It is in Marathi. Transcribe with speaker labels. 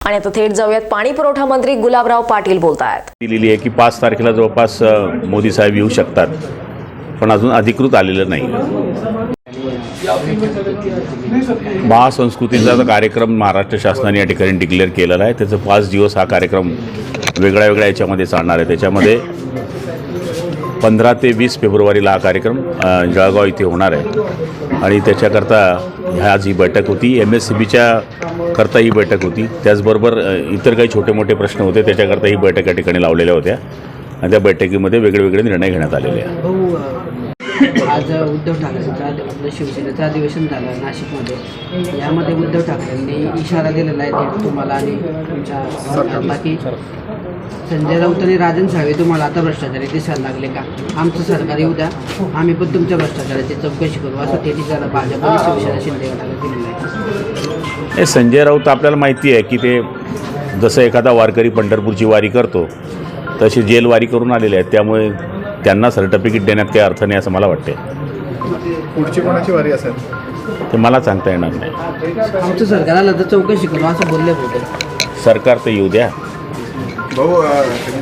Speaker 1: आणि आता थेट जाऊयात पाणी पुरवठा मंत्री गुलाबराव पाटील बोलतायत.
Speaker 2: दिलेली आहे की 5 तारखेला जवळपास मोदी साहेब येऊ शकतात, पण अजून अधिकृत आलेलं नाही. महासंस्कृतीचा कार्यक्रम महाराष्ट्र शासनाने या ठिकाणी डिक्लेअर केलेला आहे. त्याचं 5 दिवस हा कार्यक्रम वेगळ्या वेगळ्या याच्यामध्ये चालणार आहे. त्याच्यामध्ये 15 ते 20 फेब्रुवारीला हा कार्यक्रम जळगाव इथे होणार आहे आणि त्याच्याकरता आज ही बैठक होती. MSCBच्या करता ही बैठक होती. त्याचबरोबर इतर काही छोटे मोठे प्रश्न होते, त्याच्याकरता ही बैठक या ठिकाणी लावलेल्या होत्या आणि त्या बैठकीमध्ये वेगवेगळे निर्णय घेण्यात आलेले आहेत.
Speaker 3: आज उद्धव ठाकरेंचं आपलं शिवसेनेचं अधिवेशन झालं नाशिकमध्ये. यामध्ये उद्धव ठाकरेंनी इशारा दिलेला आहे तुम्हाला आणि तुमच्या सरकारला की संजय राऊत आणि राजन साळवे तुम्हाला आता भ्रष्टाचारी दिसायला लागले का? आमचं सरकार येऊ द्या, आम्ही पण तुमच्या भ्रष्टाचाराची चौकशी करू, असं ते इशारा भाजप आणि शिवसेना शिंदे गटाला दिलेला आहे.
Speaker 2: हे संजय राऊत आपल्याला माहिती आहे की ते जसं एखादा वारकरी पंढरपूरची वारी करतो तशी जेलवारी करून आलेले आहेत. त्यामुळे त्यांना सर्टिफिकेट देण्यात काही अर्थ नाही असं मला वाटते.
Speaker 4: पुढची कोणाची वारी असेल
Speaker 2: ते मला सांगता येणार नाही.
Speaker 3: आमचं सरकार आलं तर चौकशी करू असं बोलले होते.
Speaker 2: सरकार तर येऊ द्या.
Speaker 4: भाऊ